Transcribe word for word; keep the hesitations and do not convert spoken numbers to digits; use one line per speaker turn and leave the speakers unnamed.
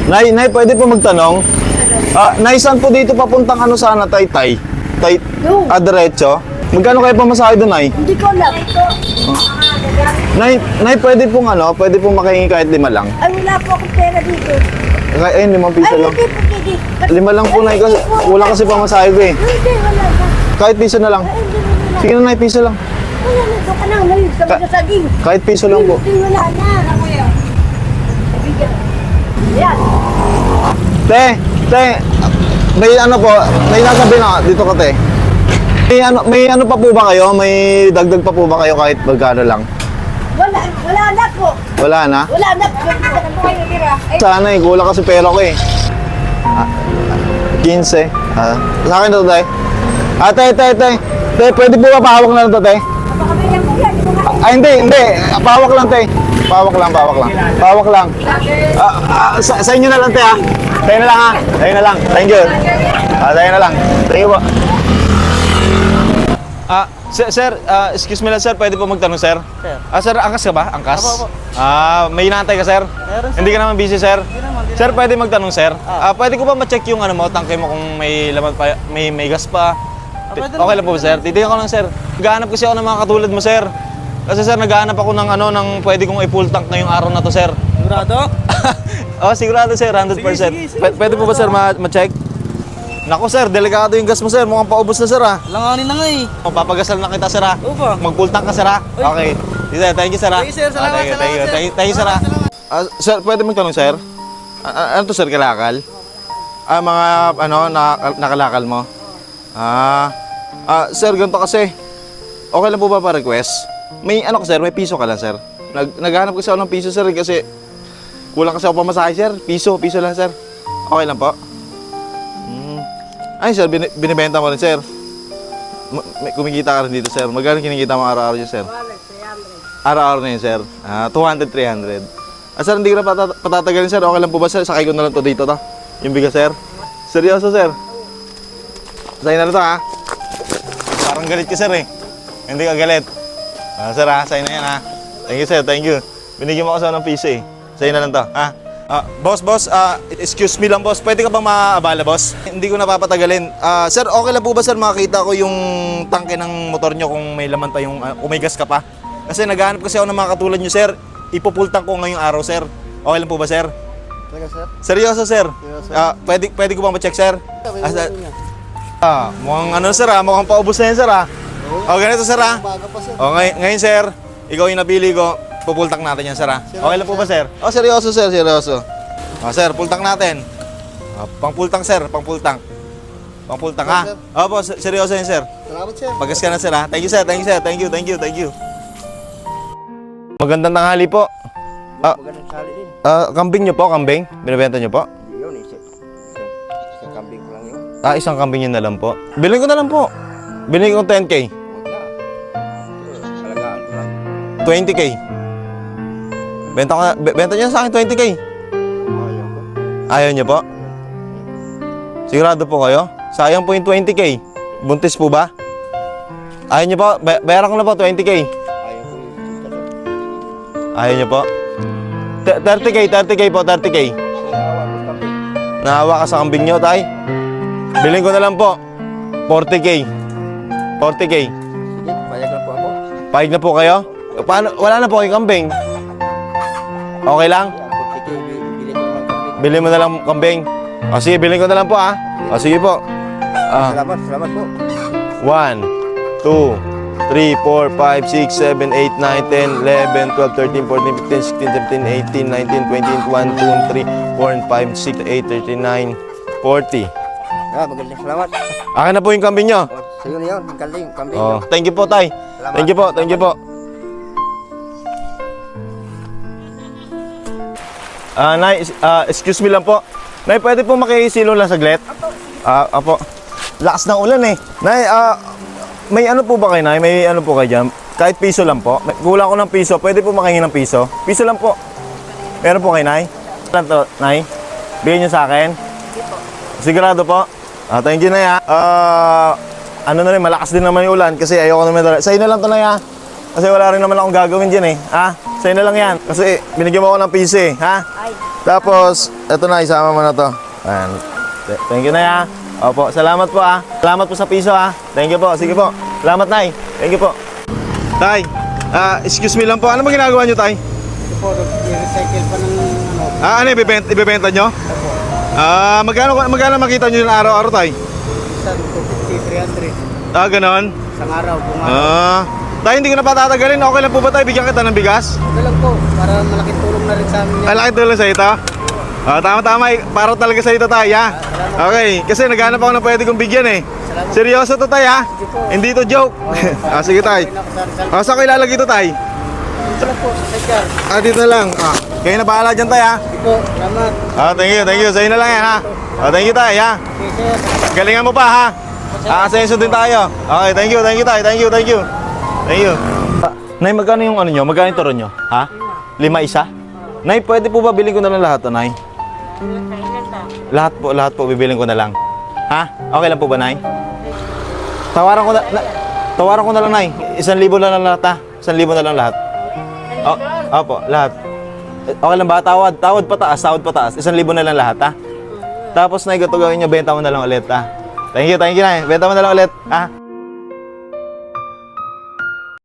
Nay, Nay, pwede po magtanong? Ah, Nay, saan po dito papuntang ano sana, Taytay? Tay,
No.
ah, diretso? Magkano kayo pamasahe doon, Nay?
Hindi ko alam.
Nay, Nay, pwede pong ano, pwede pong makahingi kahit lima lang.
Ay, wala po akong pera dito.
Kaya, ayun, limang piso
Ay,
lang.
hindi po, hindi.
Lima lang po, Nay, kasi wala kasi pamasahe ko eh.
Hindi, wala na.
Kahit piso na lang.
Ay, hindi, wala.
Sige na, Nay, piso lang.
Wala na, doon ka na. Ngayon, sa mga saging.
Kahit piso lang po.
Hindi, wala na. Bigyan. Yan.
Te, te, may ano po, may nasabi na dito ka, te. May ano, may ano pa po ba kayo? May dagdag pa po ba kayo kahit magkano lang?
Wala, wala na po.
Wala na?
Wala na po. Dito ka po kayo natira. Ay,
Sana eh, kulang kasi pera ko eh. Ah, quince. Ah, sa akin to, te. Ah, te, te, te. Te, pwede po ba pahawak na lang to, te?
napakabigyan ko yan. Ito nga.
Ah, hindi, hindi. Ah, pahawak lang, te. Pahawak lang, pahawak lang. Pahawak lang. Ah, ah, sa, sa inyo na lang, te, ha? Sa'yo na lang, ha? Sa'yo na lang. Thank you. Ah, sa'yo na lang. Thank you po. Ah, sir, sir ah, excuse me lang, sir. Pwede po magtanong, sir?
Sir.
Ah, sir, angkas ka ba? Angkas?
Apo, apo.
Ah, may inaantay ka, sir?
Meron, sir.
Hindi ka naman busy, sir?
Hindi naman, hindi
Sir, pwede magtanong, sir?
Ah.
Ah, pwede ko ba ma-check yung ano mo, tangke mo kung may laman pa, may may gas pa? Ti-
pwede
okay
naman.
lang po ba, sir? Titignan ko lang, sir. Naghahanap kasi ako ng mga katulad mo, sir. Kasi, sir, naghahanap ako ng ano, ng pwede kong i-full tank ngayong araw na to, sir.
Sigurado?
Oh, sigurado, sir, one hundred percent.
Sige, sige, sige.
P- pwede po ba, sir, ma- ma-check? Nako, sir, delikado yung gas mo, sir. Mukhang paubos na, sir, ah.
Langanin na nga eh.
Papagasal na kita, sir, ah.
Opo.
Mag-full tank ka, sir, ah. Okay. Sige, sir, thank you, sir, ah.
Thank you, sir.
Ah,
Salamat,
thank you, thank you,
salamat,
thank you,
sir.
thank you, sir, ah.
Salamat,
Ah, sir, pwede magtanong, sir? Ah, ah, ano to, sir, kalakal? Ah, mga, ano, na, nakalakal mo? Ah, ah, sir, ganito kasi. Okay lang po ba pa-request? May, ano ka, sir, may piso ka lang, sir. Nag, naghanap kasi ako ng piso, sir, kasi kulang kasi ako pamasahe, sir. Piso, piso lang, sir. Okay lang po? Hmm. Ay, sir, bin, binibenta mo rin, sir. Ma- may, kumikita ka rin dito, sir. Magkano kinikita mo araw-araw yun, sir? Araw-araw na yun, sir. Ah, two hundred, three hundred. Ah, sir, hindi ko na patat patatagalin, sir. Okay lang po ba, sir? Sakay ko na lang to dito, to. Yung bigas, sir. Seryoso, sir. Sa'yo na lang to, ha? Parang galit ka, sir, eh. Hindi ka galit. Ah, sir, ha? Sa'yo na yan, ha? Thank you, sir. Thank you. Binigyan mo ako sa ng piso, eh. Sa'yo na lang to, ha? Ah, boss, boss, ah, excuse me lang, boss. Pwede ka bang maabala, boss? Hindi ko napapatagalin. Ah, sir, okay lang po ba, sir, makakita ko yung tangke ng motor nyo kung may laman pa yung, uh, kung may gas ka pa? Kasi naghahanap kasi ako ng mga katulad nyo, sir. Ipupultang ko ngayong araw, sir. Okay lang po ba, sir?
Talaga, sir?
Seryoso, sir?
Seryoso.
Ah, pwede, pwede ko bang ma-check, sir? Ah, sir? Ah, mukhang ano, sir, ah. Mukhang paubos na yan, sir, ah. O, ganito, sir, ah.
Baga pa, sir.
O, ngay ngayon, sir, ikaw yung napili ko. Pupultang natin yan, sir, ah. Okay lang po ba, sir? O, seryoso, sir, seryoso. O, sir, pultang natin. O, pang-pultang, sir, pang-pultang. Pang-pultang, ha? Opo, ser- seryoso yan, sir.
Salamat, sir.
Pagas ka na, sir, ha? Thank you, sir, thank you, sir. Thank you, thank you, thank you. Magandang tanghali po. Ah,
Magandang sali din.
ah, kambing nyo po, kambing? Binibenta nyo po?
Yun, isa. Isang, isang kambing ko lang yun.
Ah, isang kambing yun na lang po. Bilhin ko na lang po. Bilhin ko ten K.
Huwag na. Ito, alagaan ko lang.
twenty K. Benta ko na, be- benta nyo sa akin twenty K.
Ayaw ko.
Ayaw nyo po? Sigurado po kayo? Sayang po yung twenty K. Buntis po ba? Ayaw nyo po? Bay- bayaran ko na po twenty K.
Ayaw ko yung tita to.
Ayaw nyo po? T- thirty K, thirty K po, thirty K.
Naawa ko sa kambing.
Nahawa ka sa kambing nyo, tay? Bilhin ko na lang po. forty K. forty K.
Sige, payag lang po ako.
Pahig na po kayo? Paano? Wala na po kayong kambing. Okay lang?
Yan, forty K, bili ko ng kambing.
Bilhin mo na lang kambing. O sige, bilhin ko na lang po, ah. O sige po. Ah.
Salamat, salamat po.
one, two, three, four, five, six, seven, eight, nine, ten, eleven, twelve, thirteen, fourteen, fifteen, sixteen, seventeen, eighteen, nineteen, twenty, twenty-one, twenty-two, twenty-three, twenty-four, twenty-five, twenty-six, twenty-eight, thirty-nine, forty.
Ah, magandang salamat.
Akin na po yung kambing nyo.
O, sa'yo na yun, ang kambing, kambing.
Oh, thank you po, tay. Thank you po, thank you po. Ah, Nay, ah, excuse me lang po. Nay, pwede po makisilo lang saglit? Ah, apo. Lakas ng ulan eh. Nay, ah, may ano po ba kayo, Nay? May ano po kayo dyan? Kahit piso lang po. May- Kulang ko ng piso. Pwede po makahingi ng piso? Piso lang po. Meron po kayo, Nay? Lang to, Nay? Bigyan niyo sa akin? Sigurado po? Ah, thank you, Nay, ah. Ah, ano na rin, malakas din naman yung ulan kasi ayoko naman talaga. Sa'yo na lang to, Nay, ah. Kasi wala rin naman akong gagawin dyan eh. Ha? Sa'yo na lang yan. Kasi binigyan mo ako ng piso eh. Ha?
Ay,
Tapos, eto na, isama mo na to. Ayan. Th- Thank you, Nay, ha. Opo, salamat po, ha. Salamat po sa piso, ha. Thank you po. Sige po. Salamat, Nay. Thank you po. Tay, ah, excuse me lang po. Ano ba ginagawa nyo, Tay?
Ito po, i-recycle pa ng ano.
Ah, ano, ibebenta, ibebenta nyo? Ah, magkano, magkano makita nyo yung araw-araw, Tay?
Isang two fifty, three hundred.
Ah, ganon.
Isang araw, kung araw.
Ah, Tay, hindi ko na patatagalin. Okay lang po ba, Tay? Bigyan kita ng bigas?
Ito lang po, para malaking tulong na rin sa amin yan.
Malaki tulong sa ito. Ah, tama-tama. eh. Para talaga sa ito, Tay, ha? Okay, kasi naghanap ako ng pwede kong bigyan, eh. Seryoso to, Tay, ha? Hindi to joke. Ah, sige, Tay. Ah, saan ko ilalagay ito, Tay?
Ito lang po, sa sidecar.
Ah, dito na lang. Ah, kayo na bahala dyan, Tay, ha?
Ito po, salamat.
Ah, thank you, thank you. Sa'yo na lang yan, ha? Ah, thank you, Tay, ha?
Okay, sir.
Galingan mo pa, ha? Aasenso din tayo. Okay, thank you, thank you, Tay. Thank you, thank you. Thank you. Ah, Nay, magkano yung ano nyo? Magkano yung turon nyo? Ha? Lima isa? Nay, pwede po ba bilhin ko na lang lahat, Nay? Lahat po, lahat po bibiling ko na lang. Ha? Okay lang po ba, Nay? Tawaran ko na, na tawaran ko na lang, Nay. Isang libo na lang lahat, ha? Isang libo na lang lahat. O, opo, lahat. Eh, Okay lang ba? Tawad, tawad pataas, tawad pataas. Isang libo na lang lahat, ha? Tapos, Nay, ito gawin nyo, benta mo na lang ulit, ha? Thank you, thank you, Nay. Benta mo na lang ulit, ha?